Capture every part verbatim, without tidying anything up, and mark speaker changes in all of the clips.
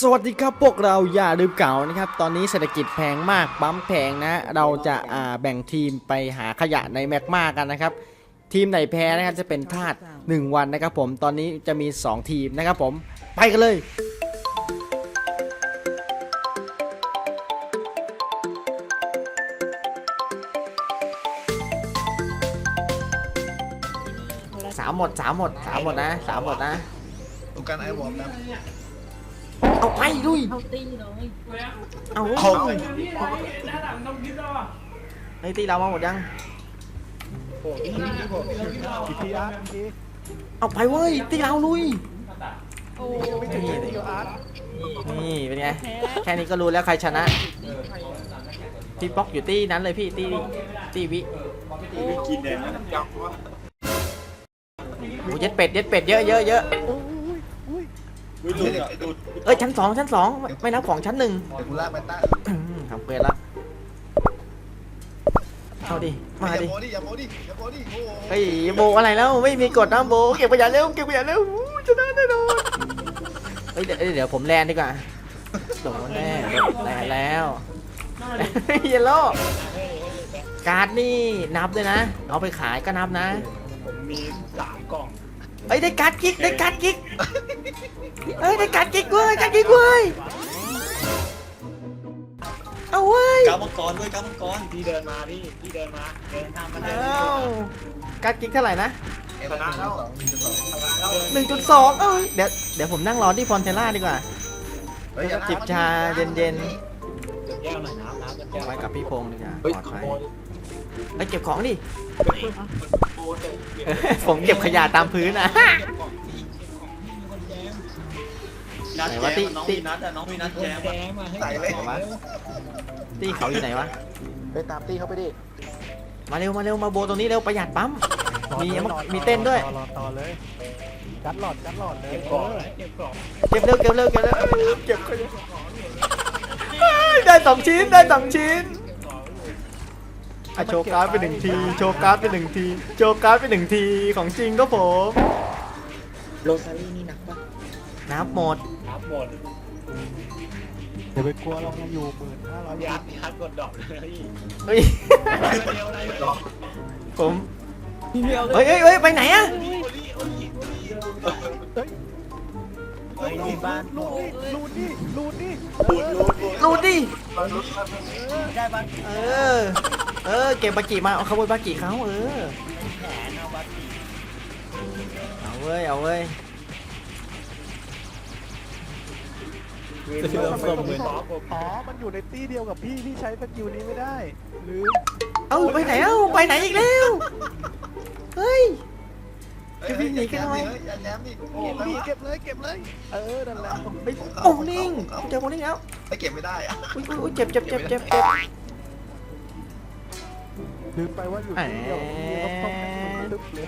Speaker 1: สวัสดีครับพวกเราอย่าลืมเก่านะครับตอนนี้เศรษฐกิจแพงมากปั๊มแพงนะเราจะอ่าแบ่งทีมไปหาขยะในแมกมากันนะครับทีมไหนแพ้นะครับจะเป็นทาสหนึ่งวันนะครับผมตอนนี้จะมีสองทีมนะครับผมไปกันเลยสามหมดสามหมดสามหมดนะสามหมดนะ
Speaker 2: ดูการไอวอร์มนะ
Speaker 1: เอาไปลุย
Speaker 3: เขาตีเลย
Speaker 1: เอา
Speaker 2: เขา
Speaker 1: ไอ้ตีเรามาหมดยัง
Speaker 2: อีพีอาร์ที
Speaker 1: เอาไปเว้ยตีเราลุย
Speaker 3: โอ้
Speaker 1: นี่นี่เป็นไงแค่นี้ก็รู้แล้วใครชนะพี่ป๊อกอยู่ตีนั้นเลยพี่ตีตีวิ
Speaker 2: กินแดงนะจับวะ
Speaker 1: โอ้เย็ดเป็ดเย็ดเป็ดเยอะเยอะเยอะ
Speaker 2: ดูดูดู
Speaker 1: เอ้ยชั้นสองชั้นสองไม่นับของชั้นหนึ่ง
Speaker 2: เดี๋ยวกูลากไปตั้ง
Speaker 1: ทำเกรดละเอาดิมา
Speaker 2: อย่า
Speaker 1: ดิ
Speaker 2: โมดิอย่าโมดิอย่าโมดิโอ้
Speaker 1: เฮ้ยโบอะไรแล้วไม่มีกดนะโบเก็บขยะเร็วเก็บขยะเร็วชนะแน่นอนเฮ้ยเดี๋ยวเดี๋ยวผมแลนดีกว่าโดนแน่แลนแล้วเยลโล่การ์ดนี่นับด้วยนะเอาไปขายก็นับนะ
Speaker 2: ผมมีสามกล่อง
Speaker 1: เอ้ยได้การ์ดกิ๊กได้การ์ดกิ๊กเอ้ยได้การ์ดกิ๊กเว้ยการ์ดกิ๊กเว้ยเอาเว้ย
Speaker 4: ก้าวมังกรด้วยก้าวมังกร
Speaker 2: พี่เดินมาพี่พี่เดินมาเดินทางมาเดิน
Speaker 1: เอาการ์ดกิ๊กเท่าไหร่นะ
Speaker 2: ชนะแล้ว
Speaker 1: หนึ่งจุดสองเอ้ยเดี๋ยวเดี๋ยวผมนั่งรอที่ฟอนเทล่าดีกว่าจิบชาเย็น
Speaker 2: แก้วหน่อยน้ำน้ำ
Speaker 1: ๆ
Speaker 2: แก้ว
Speaker 1: ไว้กับพี่พงษ์ดีกว่า
Speaker 2: เฮ้ย
Speaker 1: ปลอด
Speaker 2: ข
Speaker 1: ภัย
Speaker 2: โมย
Speaker 1: ไปเก็บของดิผมเก็บขยะตามพื้นนะ
Speaker 4: นัด
Speaker 1: ไหน
Speaker 4: แจ
Speaker 1: วะ
Speaker 4: ม
Speaker 1: ติ
Speaker 4: น้อง
Speaker 1: ติ
Speaker 4: มีนัดอะน้องมีนัดแจม
Speaker 2: ใส่เลย
Speaker 1: ตี้เขาอยู่ไหนวะ
Speaker 2: ไปตามตีเขาไปดิ
Speaker 1: มาเร็วมาเร็วมาโบตรงนี้เร็วประหยัดปั๊มมีมีเต้นด้วย
Speaker 5: รอต่อเลยกัดหลอดกัดหลอดเลย
Speaker 2: เก็บกล่องเก็บกล่อง
Speaker 1: เก็บเร็วเก็บเร็วเก็บเร็วเก็บขยะเฮ้ยได้สองชิ้นได้สองชิ้นอ่ะโชว์การ์ดไปหนึ่งทีโชว์การ์ดไปหนึ่งทีโชว์การ์ดไปหนึ่งทีของจริงก็ผม
Speaker 4: โรซารี่นี่หนักปะ
Speaker 1: น้ำหมด
Speaker 2: น้ำหมด
Speaker 5: เดี๋ยวไปกลัวเราอยู่หมื่นห้าร้อย
Speaker 2: ยัดยัดกดดอกเลย
Speaker 1: เฮ้ย
Speaker 2: เดียวอะไรดอก
Speaker 1: ผมเฮ้ยเฮ้ยเฮ้ยไปไหนอะ
Speaker 2: เฮ้ยที่บ้าน
Speaker 5: ลูดนี่ลูดนี่ลูดนี่
Speaker 2: รูดรูดรูด
Speaker 1: รูดดิ
Speaker 2: ได้บ้าน
Speaker 1: เออเออเก็บบากิมาเอาขโมยบากิเขาเออ
Speaker 2: แขนเอาบ้าน
Speaker 1: เอาเว้ยเอาเว้ย
Speaker 5: อ๋อมันอยู่ในตี้เดียวกับพี่พี่ใช้สกิลนี้ไม่ได้ลืม
Speaker 1: เอ้าไปไหนเอ้าไปไหนอีกแล้วเฮ้ย จะวิ่งหนีกันทำไม
Speaker 2: อย่าแย้มดิ
Speaker 5: เก็บพี่เก็บเลยเก็บเลยเออนั่นแหละ
Speaker 1: ไปโอ้นิ่งเจอโอ้นิ่งแล้ว
Speaker 2: ไอ้เก็บไม่ได้อะ
Speaker 1: อุ้ยอุ้ยเจ็บเจ็บเจ็บเจ็บเจ็บ
Speaker 5: ลืมไปว่าอยู่ตี้เดียวกับพี่ต้องต้องมันลึกเลย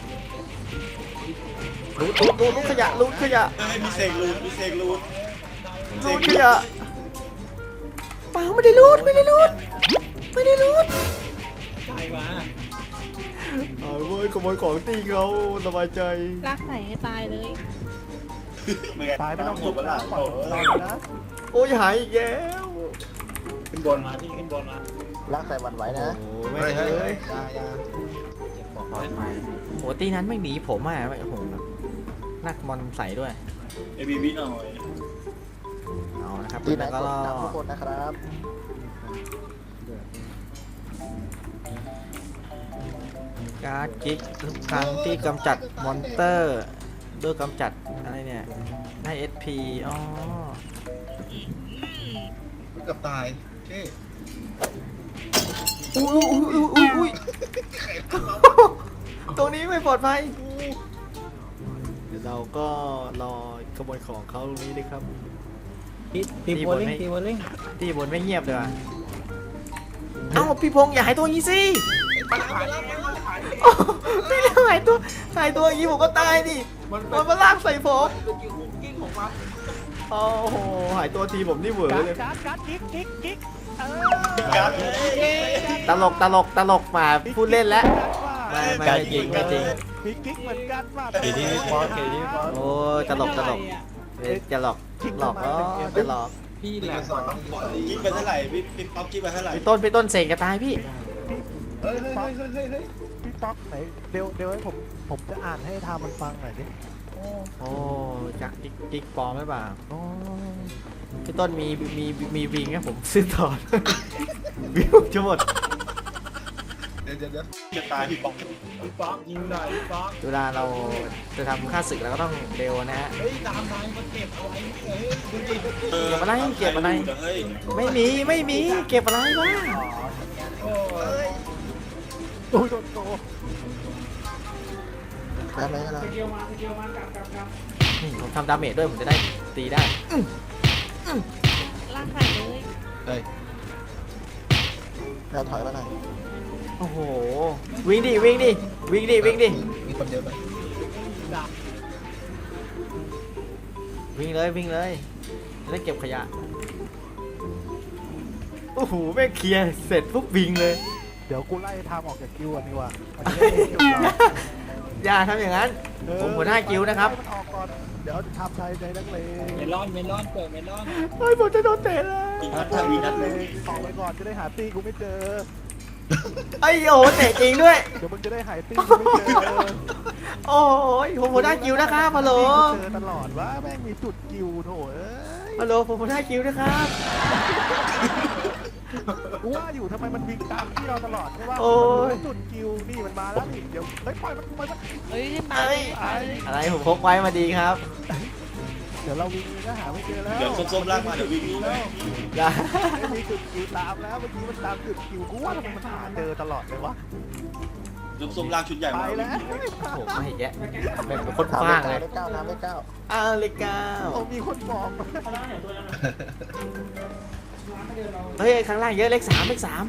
Speaker 1: รูดรูดรูดรูดขยะรูดขยะ
Speaker 4: เฮ้ยมีเสกรูดมีเสกรูด
Speaker 1: รูดขยะเปล่าไม่ได้รูดไม่ได้รูดไม่ได้รูด
Speaker 2: ใช่มา
Speaker 1: เอาเว้ยขโมยของตีเขาสบายใจ
Speaker 3: รักใส่ให้ตายเลย
Speaker 5: ตายไม่ต้อง
Speaker 2: หม
Speaker 5: ทุ
Speaker 2: ด
Speaker 5: บ
Speaker 2: เวลา
Speaker 5: นะปล่อยเรานะ
Speaker 1: โอ้ยหายอีกแล้ว
Speaker 2: ขึ้นบนมาพี่ขึ้นบนมา
Speaker 5: รักใส่วันไหวนะ
Speaker 1: โอ้ไม่งเลย
Speaker 2: ยายาเก็บของไว้
Speaker 1: โหตีนั้นไม่หนีผมอ่ะโอ้โหนักบอลใส่ด้วย
Speaker 4: เอบีบีหน่อย
Speaker 1: เอานะครับ
Speaker 5: ตีไหน
Speaker 1: แล้ว
Speaker 5: ก
Speaker 1: ก็
Speaker 5: ดดับทุกคนนะครับ
Speaker 1: การ์ดกิ๊กทุกครั้งที่กำจัดมอนเตอร์ด้วยกำจัดอะไรเนี่ยได้ เอส พี อ๋อ
Speaker 2: กับตายเท่
Speaker 1: อุ้ยอุ้ยอุ้ยอุ้ยตรงนี้ไม่ปลอดภัยเดี๋ยวเราก็รอขโมยของเขาตรงนี้เลยครับ
Speaker 4: ทีมโบลิ่งทีมโบลิ่ง
Speaker 1: ที่บนไม่เงียบเลยว่ะเอ้าพี่พงษ์อย่าหายตัวอย่างนี้สิโอ้พี่เลี้ยงหายตัวหายตัวอย่างนี้ผมก็ตายดิมันมาลากใส่ผมโอ้โหหายตัวทีผมนี่เหวอ
Speaker 5: กัด
Speaker 1: เลย
Speaker 5: กัดกัดกิ๊กกิ๊กกิ๊กเออ
Speaker 4: การ์ด
Speaker 1: ตลกตลกตลกมาพูดเล่นแล้วไม่ไม่ไม่จริงไม่จริง
Speaker 5: มีกิ๊กเหมือนกันว่า
Speaker 4: เอดีบอสเอดีบอส
Speaker 1: โอ้ยตลกตลกเดี๋ยวจะหลอกหลอกก็จะหลอก
Speaker 2: พี่แหละสอน
Speaker 4: คิดไปเท่าไหร่พี่พี่ป๊อปคิดไปเท่าไหร่
Speaker 1: พี่ต้นพี่ต้นเสกกระตายพี่
Speaker 2: เฮ้ยเฮ้ยเฮ้ยเฮ้ยเฮ้ย
Speaker 5: พี่ป๊อกไหนเดี๋ยวเดี๋ยวให้ผมผมจะอ่านให้ทามันฟังหน่อยดิ
Speaker 1: โอ้จักกิ๊กกิ๊กปลอมไหมเปล่า
Speaker 5: โอ้
Speaker 1: พี่ต้นมีมีมีวิงให้ผมซื้อต่อ วิวจะหมด
Speaker 2: เดี๋ยวเดี๋ยวเดี๋ยว
Speaker 4: จะตายพี่ป๊อปพี่ป๊อปยิงหน่อยพี่ป๊อป
Speaker 1: เวลาเราจะทำค่าศึกเราก็ต้องเร็วนะฮะ
Speaker 4: เฮ้ยตามนายมันเก็บเอาไว้เฮ้ยดูดิ
Speaker 1: เก็บอะไรเก็บอะไร
Speaker 4: เฮ้ย
Speaker 1: ไม่มีไม่มีเก็บอะไรวะ
Speaker 4: โอ้ย
Speaker 5: โอ้ยโดนโต
Speaker 2: ได้ไหมล่ะ
Speaker 1: นี่ผมทำดาเมจด้วยผมจะได้ตีได้
Speaker 3: ลากใส่เลย
Speaker 2: เฮ้ยแล้วถอยมาหน่อย
Speaker 1: โอ้โหวิ่งดิวิ่งดิวิ่งดิวิ่งดิ
Speaker 2: มีคนเดียวไหม
Speaker 1: วิ่งเลยวิ่งเลยจะได้เก็บขยะโอ้โหแม่งเคลียร์เสร็จปุ๊บวิ่งเลย
Speaker 5: เดี๋ยวกูไล่ทามออกจากคิวก่อนดีกว่ามันจะได้จบเรา
Speaker 1: อย่าทำอย่างนั้น ผมหัวหน้ากิวนะครับ
Speaker 5: มันออกก่อนเดี๋ยวทำไทยใจนักเลง
Speaker 4: เมลอนเมลอนเปิดเมลอน
Speaker 1: เฮ้ยผมจะโดนเตะเลย
Speaker 4: อีกนัดทวีนัด
Speaker 5: เล
Speaker 4: เลย
Speaker 5: งออกไปก่อนจะได้หาตี้กูไม่เจอ
Speaker 1: ไอ้โอ้โหเตะจริงด้วย
Speaker 5: เดี๋ยวมึงจะได้หายตี้กูไม่เจอ
Speaker 1: โอ้ยผมหัวหน้ากิวนะครับฮัลโหล
Speaker 5: เจอตลอดว่าแม่งมีจุดกิวโถเอ้ย
Speaker 1: ฮัลโหลผมหัวหน้ากิวนะครับ
Speaker 5: กูว่าอยู่ทำไมมันวิ่งตามที่เราตลอดใช่ป่ะ
Speaker 1: โอ้ย
Speaker 5: มันจุดกิวนี่มันมาแล้วนี่เดี๋ยวเฮ้ยปล่อยมันปล่อยมัน
Speaker 3: เฮ้ยให้ตายตาย
Speaker 1: อะไรผมพกไว้มาดีครับ
Speaker 5: เดี๋ยวเราวิ่งก็หาไม่เจอแล้ว
Speaker 4: เดี๋ยวส้มๆลากมาเดี๋ยววิ่งแล้ว
Speaker 1: อย่า
Speaker 5: ไม่มีจุดกิวตามแล้วเมื่อกี้มันตามจุดกิวกูว่าทำไมมันหาเจอตลอดเลยวะ
Speaker 4: ส้มๆลากชุดใหญ่
Speaker 5: ไป
Speaker 4: มา
Speaker 5: แล้ว
Speaker 1: โอ้ไม่แยะเป็นคนฟางเลย
Speaker 2: เลขเก้าน้ำเลขเก้า
Speaker 1: อ้าวเลขเก้า
Speaker 5: โอ้มีคนบอก
Speaker 1: เฮ้ยข้างล่างเยอะเลขสามเลขสาม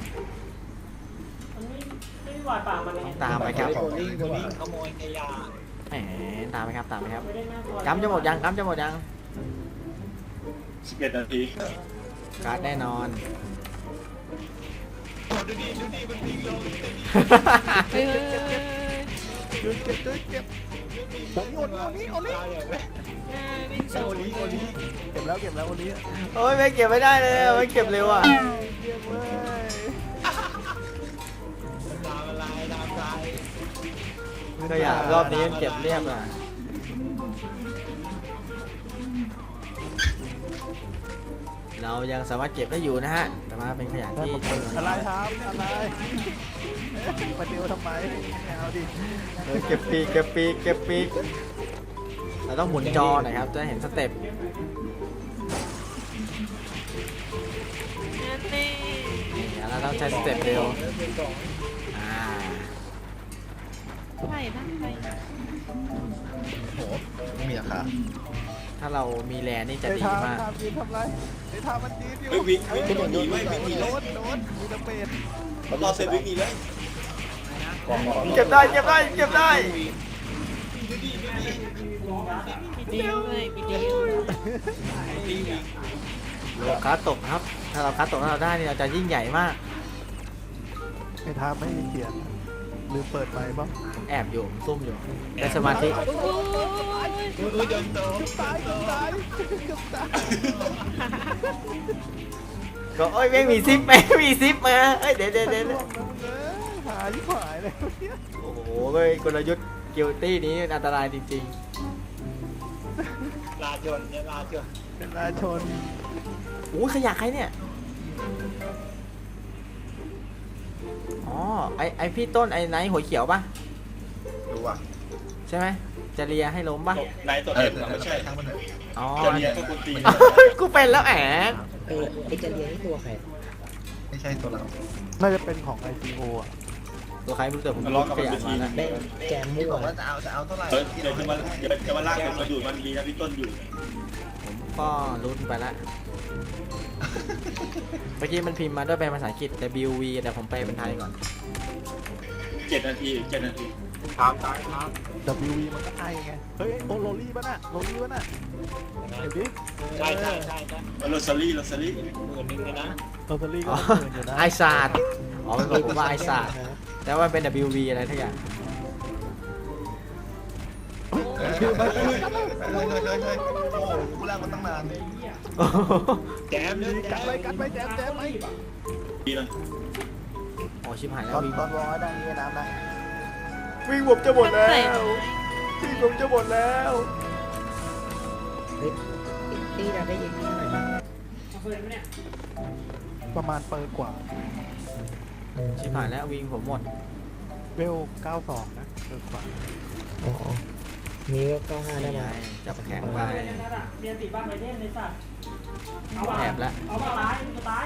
Speaker 1: ตามไปครับ
Speaker 4: โบลิ่งโบลิ่งขโมยขยะ
Speaker 1: แหมตามไปครับตามไปครับกำจะหมดยังกำจะหมดยัง
Speaker 4: สิบเอ็ดนาที
Speaker 1: การ์ดแน่นอน
Speaker 4: ดูดิดูดิมันวิ่งลง
Speaker 3: เฮ้ยเฮ้ยเฮ้ย
Speaker 5: เก็บเก็บเก็บผมโยนโอนี้โอนี้
Speaker 3: วิ่ง
Speaker 4: โอ
Speaker 3: สู่
Speaker 4: ลีโอลี
Speaker 5: เก็บแล้วเก็บแล้วโอนี้
Speaker 1: โอ้ยไม่เก็บไม่ได้เลยอะไม่เก็บเร็วอ่ะ
Speaker 5: เยี่ยมเลย
Speaker 4: ตามอะไรตามใจ
Speaker 1: ก็อยากรอบนี้มันเก็บเรียบอ่ะเรายังสามารถเก็บได้อยู่นะฮะแต่ว่าเป็นขยะที่จำนวน
Speaker 5: อะไร
Speaker 1: น้อย
Speaker 5: ครับอะไรมาเดียวทำไมเอาดิ
Speaker 1: เออเก็บปีกเก็บปีกเก็บปีกเราต้องหมุนจอหน่อยครับจะได้เห็นสเต็ป
Speaker 3: นั่นนี่
Speaker 1: นี่เราต้องใช้สเต็ปเร็วอ่า
Speaker 3: ใช่นะใช่
Speaker 2: โอ้โหไม่มีราคา
Speaker 1: ถ้าเรามีแลนนี่จะ
Speaker 5: ไอ้
Speaker 1: ดี
Speaker 5: ทาม
Speaker 1: มาก
Speaker 5: ทามยืนทำไรไอ้ทามมันยืนอยู่
Speaker 4: เฮ้ยวิ่งวิ่งหนีไว้วิ่งหนี
Speaker 5: โด
Speaker 4: เลย
Speaker 5: นโดนมีตะเป็ด
Speaker 4: รอเสร็จวิ่งหนีเลย
Speaker 1: เก็บได้เก็บได้เก็บได้
Speaker 3: มีดีเลยมีดี
Speaker 1: เราคัดตกครับ ถ้าเราคัดตกแล้วเราได้นี่เราจะยิ่งใหญ่มาก
Speaker 5: ไอ้ทามไม่มีเขียนลืมเปิดไมค์ป่ะ
Speaker 1: แอบอยู่ซุ่มอยู่ได้สมาธิ
Speaker 3: โอ้ย
Speaker 4: เออเดินโต
Speaker 5: ตายก็ตายก็ตาย
Speaker 1: ก็โอ้ยไม่มีซิปไม่มีซิปมาเอ้ยเดี๋ยวเดี๋ยวเดี๋ยว
Speaker 5: ล่วงนะมึงเอ้ยหาที่หายเลยเนี่ย
Speaker 1: โอ้โหเว้ยกลยุทธ์กิลตี้นี้อันตรายจริง
Speaker 4: ลาจนเนี่ยลาจน
Speaker 5: เป็นราชน
Speaker 1: ๆโอ้ยขยะใครเนี่ยอ๋อไอไอพี่ต้นไอไนท์หัวเขียวปะ
Speaker 2: ดูว่ะ
Speaker 1: ใช่ไหมจะเลียให้ล้มปะ
Speaker 4: นายตัว
Speaker 2: เอ
Speaker 4: เอ
Speaker 2: อง
Speaker 4: ไม่ใช่
Speaker 2: ทั้งมันเถอะ
Speaker 1: อ๋อ
Speaker 4: จะเรียนก็กุตี
Speaker 1: กูเป็นแล้วแอบ
Speaker 6: เออไอจะเรียนนี่ตัวใคร
Speaker 2: ไม่ใช่ตัวเรา
Speaker 5: น่าจะเป็นของ ไอ ซี โอ อ่ะ
Speaker 1: ตัวใครไม่รู้แต่ผม
Speaker 4: ทะเลาะกับ
Speaker 1: ข
Speaker 4: มัน
Speaker 1: ยะ
Speaker 4: ไปที
Speaker 1: มาแล้ว
Speaker 6: ได้แกม
Speaker 2: พี่
Speaker 6: มั่
Speaker 2: บ
Speaker 6: ว
Speaker 2: อกว่าจะเอาจะเอาเท่าไหร่
Speaker 4: เออเดี๋ยวจะมาเดี๋ยวจะมาลากมันมาดูดมันดีนะพี่ต้นอยู่
Speaker 1: ผมก็ลุ้นไปละเมื่อกี้มันพิมพ์มาด้วยเป็นภาษาอังกฤษ W V แต่ผมไปเป็นไทยก่อน
Speaker 4: เจ็ดนาทีเจ็ดนาทีตามตามตาม
Speaker 5: ดับเบิลยู วี มันก็ไอไง เฮ้ยโอโรลี่ป่ะน่ะโรลี่ป่ะน่ะเดี๋ยวดิ
Speaker 4: ใช่ใช่ใช่ใช่โรซารี่โรซารี่หมื่นหนึ่งเลยนะ
Speaker 5: โรลี่ก็
Speaker 1: อ๋อ
Speaker 5: หมื่นอยู่นะ
Speaker 1: ไอซาดอ๋อมันบอกผมว่าไอซาดแต่ว่าเป็น W V อะไรทุกอย่าง
Speaker 2: เฮ้ยเฮ้ยเฮ้ยเฮ้ยเฮ้ยโอ้โหกูลากมาตั้งนาน
Speaker 1: โอ้โห
Speaker 4: แจมเลย
Speaker 5: กัดไปกัดไปแจมแจมไป
Speaker 4: ดีเลย
Speaker 1: โอ้ชิบหายแล้
Speaker 2: ตอ
Speaker 1: วน วิ่ง
Speaker 2: ตอนวอลได้นี่น้ำนะ
Speaker 1: วิ่งผมจะหมดแล้ววิ่งผมจะหมดแล้ว
Speaker 6: เฮ้ยตีเราได้ยินหน่อยนะ
Speaker 5: ประมาณเปิดกว่า
Speaker 1: ชิบหายแล้ววิ่งผมหมด
Speaker 5: เวลเก้าสองนะเปิดกว่า
Speaker 6: อ๋อมีก็เก้าห้าได้ไหม
Speaker 1: จับแข็งไป
Speaker 7: เรียนติบ้านไปเล่นในสัตว์เอา
Speaker 1: แอบแล้ว
Speaker 7: เอามาตายจะตาย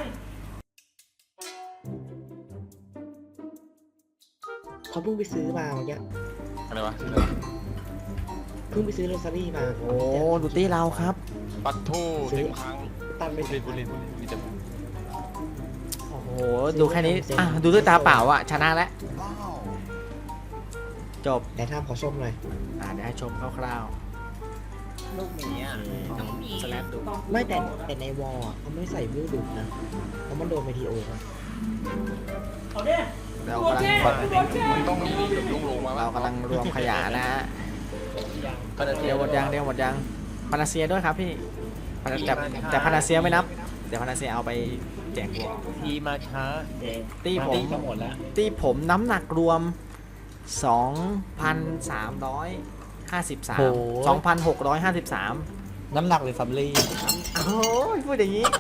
Speaker 6: เขาเพิ่งไปซื้อมาเมื่อกี้
Speaker 2: อะไรวะ
Speaker 6: เพิ่งไปซื้อโรซารี่มา
Speaker 1: โอ้ดูตี้เราครับ
Speaker 2: ปักทู
Speaker 6: ซื้อตันไปสิบ
Speaker 2: มีแต่
Speaker 1: โอ้โหดูแค่นี้อ่ะดูด้วยตาเปล่าอ่ะชนะแล้ว
Speaker 2: ว้าว
Speaker 1: จบ
Speaker 6: แต่ถ้าขอชมหน่อย
Speaker 1: อ่าเดี๋ยวให้ชมคร่าว
Speaker 2: ลูกหมีอ่ะ
Speaker 1: ๆน้องสแลปดู
Speaker 6: ไม่แต่แต่ในวอลอะเขาไม่ใส่วิวดุนะเพราะมันโดนเมทีโอมา
Speaker 7: เอาดิ
Speaker 1: เรา
Speaker 7: โดน
Speaker 1: กำลัง
Speaker 7: แช่โดนแช่
Speaker 2: มันต้องลุงลงมา
Speaker 1: เรากำลังรวมขยะนะฮะเดี๋ยวหมดยังเดี๋ยวหมดยังพานาเซียด้วยครับพี่พานาแต่แต่พานาเซียไม่นับเดี๋ยวพานาเซียเอาไปแจกพวก
Speaker 2: ทีมาช้า
Speaker 1: ตี้ผม
Speaker 2: ตีก็หมดแล้ว
Speaker 1: ตี้ผมน้ำหนักรวม สองพันสามร้อยห้าสิบสาม สองพันหกร้อยห้าสิบสาม
Speaker 2: น้ำหนักหรือสำลี
Speaker 1: โอ้ยพูดอย่างนี้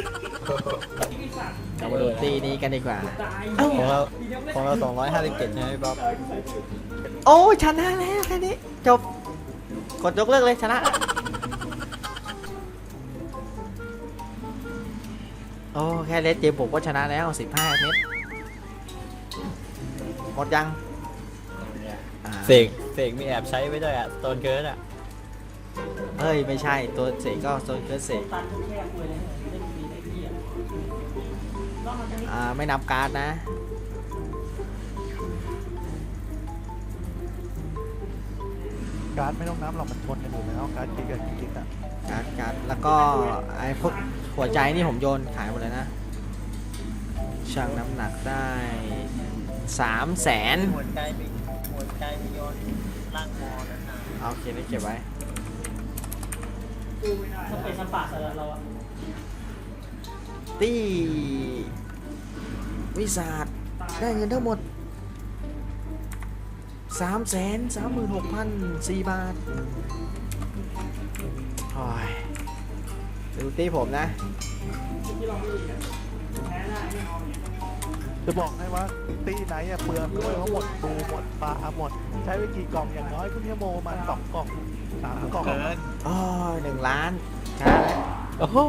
Speaker 1: เรามาดูตีนี้กันดีกว่า
Speaker 7: ตาย
Speaker 2: ของเราของเราสองร้อยห้าสิบเจ็ดใช่ไหมพี่บ๊อบ
Speaker 1: โอ้ยชนะแล้วแค่นี้ จบ กดยกเลิกเลยชนะแล้วโอ้แค่เลสเกมผมก็ชนะแล้วสิบห้าเมตรหมดยังอ่า
Speaker 8: เสกเสกมีแอบใช้ไว้ด้วยอ่ะโซนเกิร์ดอ่ะ
Speaker 1: เฮ้ย ไม่ใช่ตัวเสกก็โซนเคิร์ดเสก
Speaker 7: ตันแช่คุยเลยเล่นปีได้ที่อ่ะต้องมันจะมี
Speaker 1: อ่าไม่นับการ์ดนะ
Speaker 5: การ์ดไม่ต้องน้ำหรอกมันชนกันอยู่แล้วการ์ดกิกกับกิกอะ
Speaker 1: การ์ดการ์ดแล้วก็ไอ้พวกหัวใจนี่ผมโยนขายหมดเลยนะชั่งน้ำหนักได้สามแสน
Speaker 8: หัวใจมีหัวใจมีโยนล่างมอนะนะ
Speaker 1: โอเคได้เก็บไว้
Speaker 7: ถ้าเป็นสปาร์ตเราอะ
Speaker 1: ตี้วิสาดได้เงินทั้งหมดสามแสนสามหมื่นหกพันสี่บาทโอ้ยดูตี้ผมนะ
Speaker 7: ที่เราไม่ดีอะแพ้ได้ไม่เอาเนี่ย
Speaker 5: จะบอกให้ว่าตีไหนอะเปลืองด้วยเพราะหมดดูหมดปลาหมด ใช้ไปกี่กล่องอย่างน้อยคุณชั่วโมงประมาณสองกล่องสามกล่อง
Speaker 1: โอ้ยหนึ่งล้านชนะแล้ว
Speaker 5: โอ้โห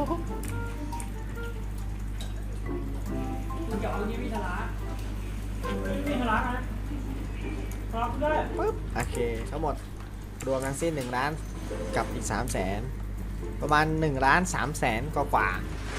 Speaker 7: มันเกี่ยวกับที่วิทยาวิทยานะรับได้
Speaker 1: ปึ๊บโอเคทั้งหมดรวมทั้งสิ้นหนึ่งล้านกับอีกสามแสนประมาณหนึ่งล้านสามแสนกว่าๆ